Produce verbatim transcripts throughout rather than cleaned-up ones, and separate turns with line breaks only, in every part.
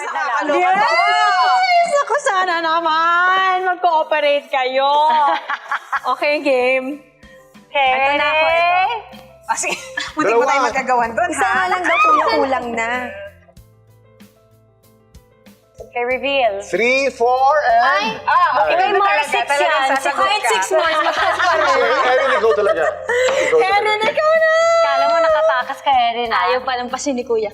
na lang.
Yes! Ako sana naman! Mag-cooperate kayo. Okay, game.
Okay.
Ito na ako, ito.
Ah, sige. Buti pa tayo magkagawan doon,
Isa
ha?
na lang daw kuya, kulang na.
Okay, reveal.
Three, four, and...
Ah, okay.
May
Ganun
more
talaga.
six
Talagang
yan.
sasagot
Kahit
ka.
six months, mataas pa rin.
So, Erin, ikaw talaga. Ikaw talaga.
Erin, ikaw na!
Kala mo nakatakas ka rin, ah.
Ayaw pa lang pa ni Kuya.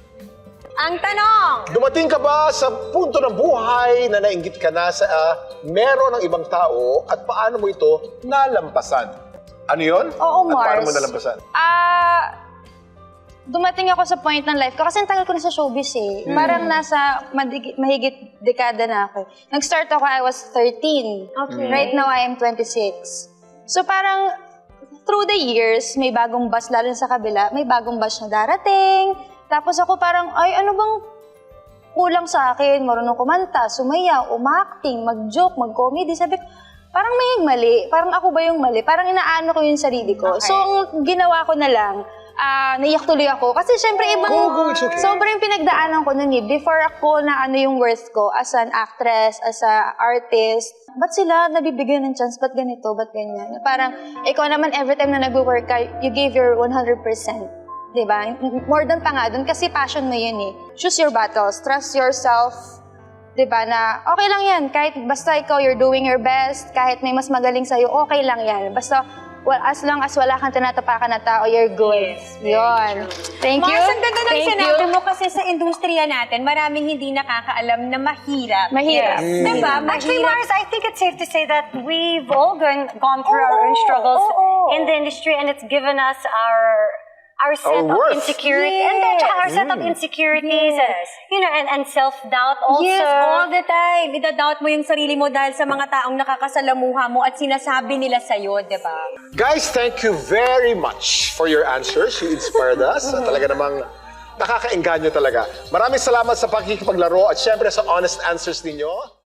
Ang tanong!
Dumating ka ba sa punto ng buhay na nainggit ka na sa ah, meron ng ibang tao at paano mo ito nalampasan? Ano yun?
Oo,
At paano
Mars.
mo nalampasan?
Ah, dumating ako sa point ng life ko kasi ang tagal ko na sa showbiz eh. Parang nasa madig- mahigit dekada na ako. Nag-start ako, I was thirteen.
Okay.
Right now, I am twenty-six. So parang through the years, may bagong bus, lalo na sa kabila, may bagong bus na darating. Tapos ako parang, ay ano bang kulang sa akin? Marunong kumanta, sumayaw, umacting, mag-joke, mag-comedy. Sabi ko, parang may mali. Parang ako ba yung mali? Parang inaano ko yung sarili ko.
Okay.
So, ang ginawa ko na lang, ah, naiyak tuloy ako. Kasi syempre, ibang,
Go, go, it's okay.
sobrang pinagdaanan ko nun eh. Before ako na ano yung worth ko as an actress, as a artist, ba't sila nabibigyan ng chance? Ba't ganito? Ba't ganyan? Parang, ikaw naman, every time na nag-work ka, you gave your one hundred percent. Diba? More than pa nga dun, kasi passion mo yun eh. Choose your battles. Trust yourself. Diba? Na okay lang yan. Kahit basta ikaw, you're doing your best. Kahit may mas magaling sa'yo, okay lang yan. Basta, well, as long as wala kang tinatapakan na tao, you're good. Yun. Thank you.
Mars, ang ganda ng
Thank
sinabi
you.
mo kasi sa industriya natin, maraming hindi nakakaalam na mahirap.
Mahirap.
Yes. Diba?
Actually,
Mahirap.
Mars, I think it's safe to say that we've all gone, gone through our own struggles
oo.
in the industry, and it's given us our our set
Our
of
worth.
insecurity, and then
Yes.
our set of insecurities,
Yes.
and you know, and, and self-doubt also.
Yes, all the time. Idadoubt mo yung sarili mo dahil sa mga taong nakakasalamuha mo at sinasabi nila sa'yo, di ba?
Guys, thank you very much for your answers. You inspired us. At talaga namang nakakaengganyo talaga. Maraming salamat sa pakikipaglaro at syempre sa honest answers ninyo.